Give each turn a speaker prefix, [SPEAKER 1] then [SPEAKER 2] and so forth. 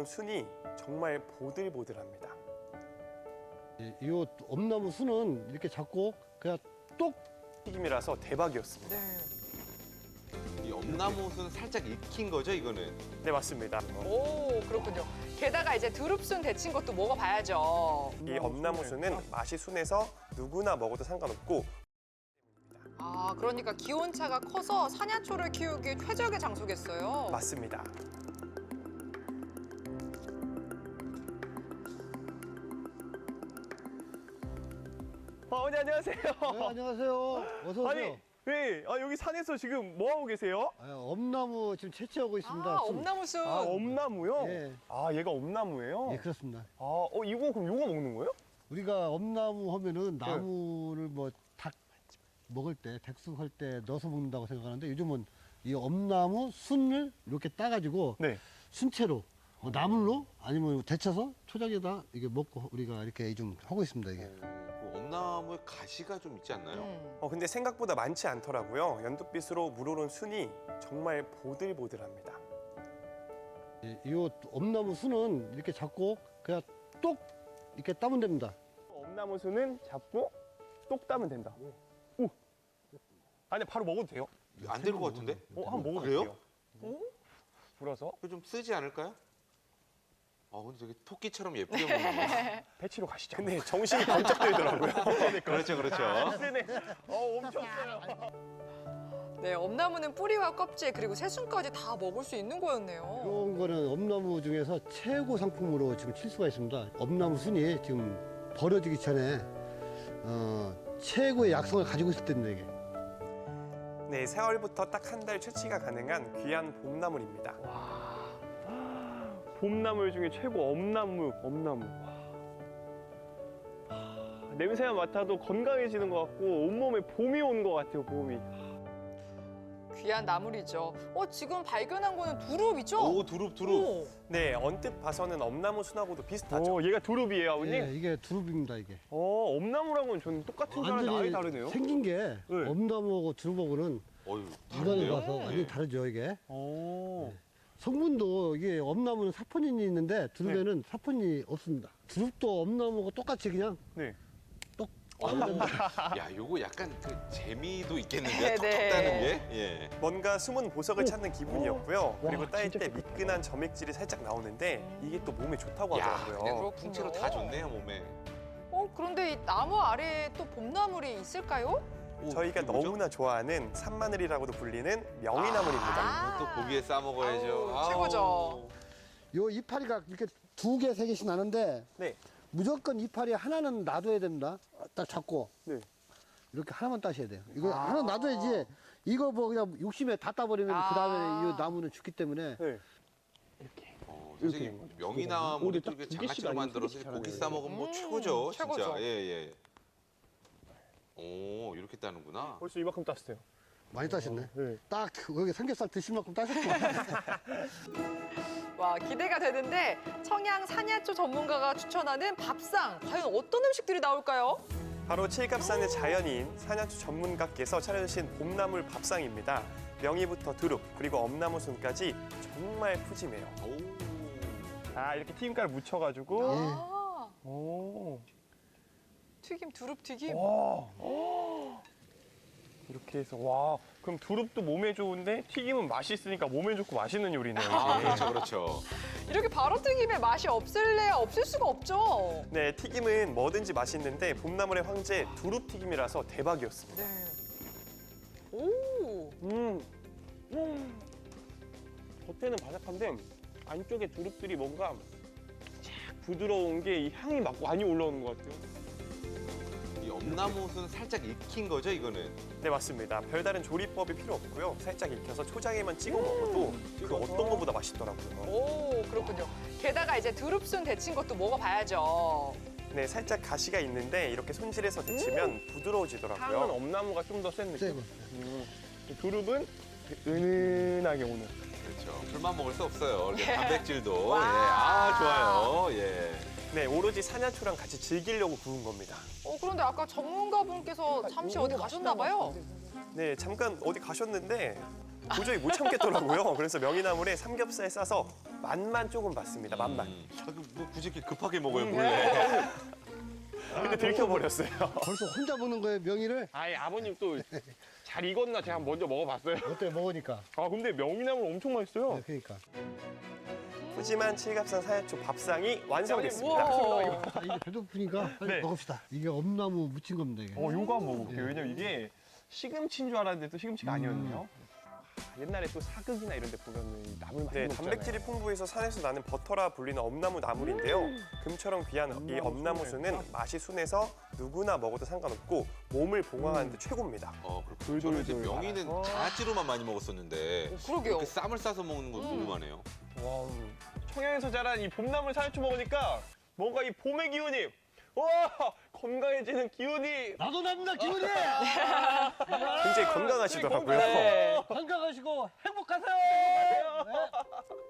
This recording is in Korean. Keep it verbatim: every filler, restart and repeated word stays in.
[SPEAKER 1] 우러러는 순이 정말 보들보들합니다.
[SPEAKER 2] 이, 이 엄나무 순은 이렇게 잡고 그냥 똑
[SPEAKER 1] 튀김이라서 대박이었습니다.
[SPEAKER 3] 네.
[SPEAKER 4] 이 엄나무는 살짝 익힌 거죠, 이거는?
[SPEAKER 1] 네, 맞습니다.
[SPEAKER 3] 오, 그렇군요. 게다가 이제 두릅순 데친 것도 먹어봐야죠.
[SPEAKER 1] 이 엄나무순은 맛이 순해서 누구나 먹어도 상관없고,
[SPEAKER 3] 아, 그러니까 기온차가 커서 사냐초를 키우기 최적의 장소겠어요.
[SPEAKER 1] 맞습니다.
[SPEAKER 5] 아, 어머니 안녕하세요.
[SPEAKER 2] 네, 안녕하세요. 어서 오세요.
[SPEAKER 5] 아니, 네, 아, 여기 산에서 지금 뭐 하고 계세요?
[SPEAKER 2] 아, 엄나무 지금 채취하고 있습니다.
[SPEAKER 3] 아,
[SPEAKER 2] 순.
[SPEAKER 3] 엄나무순.
[SPEAKER 5] 아, 엄나무요?
[SPEAKER 2] 예.
[SPEAKER 5] 아, 얘가 엄나무예요?
[SPEAKER 2] 예, 그렇습니다.
[SPEAKER 5] 아, 어, 이거 그럼 요거 먹는 거예요?
[SPEAKER 2] 우리가 엄나무
[SPEAKER 5] 네.
[SPEAKER 2] 하면은 나무를 뭐 닭 먹을 때, 백숙할 때 넣어서 먹는다고 생각하는데 요즘은 이 엄나무 순을 이렇게 따가지고
[SPEAKER 5] 네.
[SPEAKER 2] 순채로 뭐 나물로 아니면 데쳐서 초장에다 이게 먹고 우리가 이렇게 좀 하고 있습니다 이게.
[SPEAKER 4] 그 엄나무에 가시가 좀 있지 않나요?
[SPEAKER 3] 음.
[SPEAKER 1] 어, 근데 생각보다 많지 않더라고요. 연두빛으로 물오른 순이 정말 보들보들합니다.
[SPEAKER 2] 이, 이 엄나무 순은 이렇게 잡고 그냥 똑 이렇게 따면 됩니다.
[SPEAKER 5] 엄나무수는 잡고 똑 따면 된다. 오. 아니, 바로 먹어도 돼요?
[SPEAKER 4] 안 될 것 같은데?
[SPEAKER 5] 어, 한번 먹어도
[SPEAKER 4] 그래요?
[SPEAKER 5] 돼요. 오? 불어서
[SPEAKER 4] 그거 좀 쓰지 않을까요? 아, 근데 되게 토끼처럼 예쁘게 먹는 거.
[SPEAKER 5] 배치로 가시죠.
[SPEAKER 1] 근데 정신이 번쩍 들더라고요.
[SPEAKER 4] 그렇죠, 그렇죠.
[SPEAKER 5] 네네. 어, 엄청 커요.
[SPEAKER 3] 네, 엄나무는 뿌리와 껍질 그리고 새순까지 다 먹을 수 있는 거였네요.
[SPEAKER 2] 이런 거는 엄나무 중에서 최고 상품으로 지금 칠 수가 있습니다. 엄나무 순이 지금 버려지기 전에 어, 최고의 약성을 가지고 있을 때입니다 이게.
[SPEAKER 1] 네, 사월부터 딱 한 달 채취가 가능한 귀한 봄나물입니다.
[SPEAKER 5] 봄나물 중에 최고 엄나무, 엄나무. 와. 하, 냄새만 맡아도 건강해지는 것 같고 온몸에 봄이 온 것 같아요, 봄이.
[SPEAKER 3] 귀한 나물이죠. 어, 지금 발견한 거는 두릅이죠?
[SPEAKER 4] 오, 두릅, 두릅.
[SPEAKER 3] 오.
[SPEAKER 1] 네, 언뜻 봐서는 엄나무 순하고도 비슷하죠.
[SPEAKER 5] 오, 얘가 두릅이에요, 아버님?
[SPEAKER 2] 예, 이게 두릅입니다 이게.
[SPEAKER 5] 어, 엄나무랑은 저는 똑같은 줄 알았는데 아예 다르네요.
[SPEAKER 2] 생긴 게
[SPEAKER 5] 네.
[SPEAKER 2] 엄나무하고 두릅하고는
[SPEAKER 4] 어휴,
[SPEAKER 2] 물건을
[SPEAKER 4] 다른데요?
[SPEAKER 2] 봐서 완전히 다르죠 이게.
[SPEAKER 5] 오.
[SPEAKER 2] 성분도 이게 엄나무는 사포닌이 있는데 두릅에는 사포닌이 없습니다. 두릅도 엄나무하고 똑같이 그냥
[SPEAKER 5] 네.
[SPEAKER 4] 야, 요거 약간 그 재미도 있겠는데요?
[SPEAKER 3] 네,
[SPEAKER 4] 톡톡
[SPEAKER 3] 네.
[SPEAKER 4] 따는 게? 예.
[SPEAKER 1] 뭔가 숨은 보석을 찾는 기분이었고요. 그리고
[SPEAKER 5] 와,
[SPEAKER 1] 따일
[SPEAKER 5] 진짜
[SPEAKER 1] 때 미끈한 점액질이 살짝 나오는데 이게 또 몸에 좋다고
[SPEAKER 4] 야,
[SPEAKER 1] 하더라고요.
[SPEAKER 4] 그냥
[SPEAKER 3] 그렇군요.
[SPEAKER 4] 통째로 다 좋네요, 몸에.
[SPEAKER 3] 어, 그런데 이 나무 아래에 또 봄나물이 있을까요?
[SPEAKER 4] 오,
[SPEAKER 1] 저희가
[SPEAKER 4] 이게 뭐죠?
[SPEAKER 1] 너무나 좋아하는 산마늘이라고도 불리는 명이나물입니다.
[SPEAKER 3] 아.
[SPEAKER 4] 또 고기에 싸 먹어야죠.
[SPEAKER 3] 아우, 최고죠.
[SPEAKER 2] 요 이파리가 이렇게 두 개, 세 개씩 나는데
[SPEAKER 1] 네.
[SPEAKER 2] 무조건 이파리 하나는 놔둬야 됩니다. 딱 잡고
[SPEAKER 5] 네.
[SPEAKER 2] 이렇게 하나만 따셔야 돼요. 이거 하나 놔둬야지 이거 뭐 그냥 욕심에 다 따버리면
[SPEAKER 3] 아.
[SPEAKER 2] 그 다음에 이 나무는 죽기 때문에
[SPEAKER 5] 네.
[SPEAKER 4] 어,
[SPEAKER 5] 이렇게
[SPEAKER 4] 선생님,
[SPEAKER 5] 된 거죠.
[SPEAKER 4] 명이나무
[SPEAKER 5] 오늘
[SPEAKER 4] 또
[SPEAKER 5] 딱
[SPEAKER 4] 이렇게
[SPEAKER 5] 두 개씩
[SPEAKER 4] 장아찌로
[SPEAKER 5] 아니면
[SPEAKER 4] 만들어서
[SPEAKER 5] 세 개씩
[SPEAKER 4] 고기
[SPEAKER 5] 하나
[SPEAKER 4] 싸 먹으면 뭐
[SPEAKER 3] 음,
[SPEAKER 4] 최고죠,
[SPEAKER 3] 최고죠.
[SPEAKER 4] 진짜. 예, 예. 오, 이렇게 따는구나.
[SPEAKER 5] 벌써 이만큼 땄어요.
[SPEAKER 2] 많이 따셨네.
[SPEAKER 5] 네.
[SPEAKER 2] 딱 여기 삼겹살 드실 만큼 따셨구나.
[SPEAKER 3] 와, 기대가 되는데 청양 사냐초 전문가가 추천하는 밥상 과연 어떤 음식들이 나올까요?
[SPEAKER 1] 바로 칠갑산의 자연인 사냐초 전문가께서 차려주신 봄나물 밥상입니다. 명이부터 두릅 그리고 엄나무순까지 정말 푸짐해요.
[SPEAKER 4] 오.
[SPEAKER 5] 아, 이렇게 튀김가루 묻혀가지고.
[SPEAKER 2] 예.
[SPEAKER 3] 아,
[SPEAKER 5] 오.
[SPEAKER 3] 튀김, 두릅 튀김.
[SPEAKER 5] 와. 이렇게 해서 와. 그럼 두릅도 몸에 좋은데 튀김은 맛있으니까 몸에 좋고 맛있는 요리네요.
[SPEAKER 4] 아,
[SPEAKER 5] 이게.
[SPEAKER 4] 그렇죠, 그렇죠.
[SPEAKER 3] 이렇게 바로 튀김에 맛이 없을래야 없을 수가 없죠.
[SPEAKER 1] 네, 튀김은 뭐든지 맛있는데 봄나물의 황제 두릅 튀김이라서 대박이었습니다.
[SPEAKER 3] 네. 오.
[SPEAKER 5] 음. 음. 겉에는 바삭한데 안쪽에 두릅들이 뭔가 쫙 부드러운 게 이 향이 막 많이 올라오는 것 같아요.
[SPEAKER 4] 이 엄나무는 살짝 익힌 거죠, 이거는?
[SPEAKER 1] 네, 맞습니다. 별다른 조리법이 필요 없고요. 살짝 익혀서 초장에만 찍어 먹어도 그 어떤 것보다 맛있더라고요.
[SPEAKER 3] 오, 그렇군요. 게다가 이제 두릅순 데친 것도 먹어봐야죠.
[SPEAKER 1] 네, 살짝 가시가 있는데 이렇게 손질해서 데치면
[SPEAKER 5] 향은
[SPEAKER 1] 부드러워지더라고요.
[SPEAKER 5] 엄나무가 좀 더 센 느낌.
[SPEAKER 2] 세고.
[SPEAKER 5] 음. 두릅은 은은하게 오는.
[SPEAKER 4] 그렇죠. 풀만 먹을 수 없어요. 이렇게 단백질도. 예.
[SPEAKER 3] 와.
[SPEAKER 4] 아, 좋아요. 예.
[SPEAKER 1] 네, 오로지 사냐초랑 같이 즐기려고 구운 겁니다.
[SPEAKER 3] 어, 그런데 아까 전문가분께서 잠시 어디 가셨나 봐요.
[SPEAKER 1] 네, 잠깐 어디 가셨는데 도저히 못 참겠더라고요. 그래서 명이나물에 삼겹살 싸서 맛만 조금 봤습니다. 맛만.
[SPEAKER 4] 음. 아, 그뭐 굳이 이렇게 급하게 먹어요, 몰래.
[SPEAKER 1] 근데 들켜버렸어요.
[SPEAKER 2] 벌써 혼자 보는 거예요, 명이를?
[SPEAKER 5] 아이 아버님 또 잘 익었나 제가 먼저 먹어봤어요.
[SPEAKER 2] 어때, 먹으니까.
[SPEAKER 5] 아 근데 명이나물 엄청 맛있어요.
[SPEAKER 2] 네, 그러니까.
[SPEAKER 1] 푸짐한 칠갑산 사야초 밥상이 완성됐습니다.
[SPEAKER 3] 우와.
[SPEAKER 2] 자, 이게 배고프니까 빨리
[SPEAKER 5] 네.
[SPEAKER 2] 먹읍시다. 이게 엄나무 무친 겁니다, 이게.
[SPEAKER 5] 어, 요거 한번 먹어볼게요.
[SPEAKER 2] 네.
[SPEAKER 5] 왜냐면 이게 시금치인 줄 알았는데 또 시금치가
[SPEAKER 2] 음.
[SPEAKER 5] 아니었네요. 아, 옛날에 또 사극이나 이런 데 보면은 이 나물 많이
[SPEAKER 1] 네,
[SPEAKER 5] 먹잖아요.
[SPEAKER 1] 단백질이 풍부해서 산에서 나는 버터라 불리는 엄나무 나물인데요. 금처럼 귀한 이
[SPEAKER 5] 엄나무
[SPEAKER 1] 엄나무수는
[SPEAKER 5] 순을.
[SPEAKER 1] 맛이 순해서 누구나 먹어도 상관없고 몸을 보강하는 데 최고입니다.
[SPEAKER 4] 어, 그렇고 저는 이제
[SPEAKER 5] 돌돌돌
[SPEAKER 4] 명이는
[SPEAKER 5] 말아서.
[SPEAKER 4] 장아찌로만 많이 먹었었는데
[SPEAKER 3] 어, 그러게요.
[SPEAKER 4] 이렇게 쌈을 싸서 먹는 건
[SPEAKER 3] 음.
[SPEAKER 4] 궁금하네요.
[SPEAKER 5] 와, 청양에서 자란 이 봄나물 사야초 먹으니까 뭔가 이 봄의 기운이 와 건강해지는 기운이
[SPEAKER 2] 나도 납니다, 기운이!
[SPEAKER 1] 굉장히 건강하시더라고요.
[SPEAKER 5] 네.
[SPEAKER 2] 건강하시고 행복하세요! 네.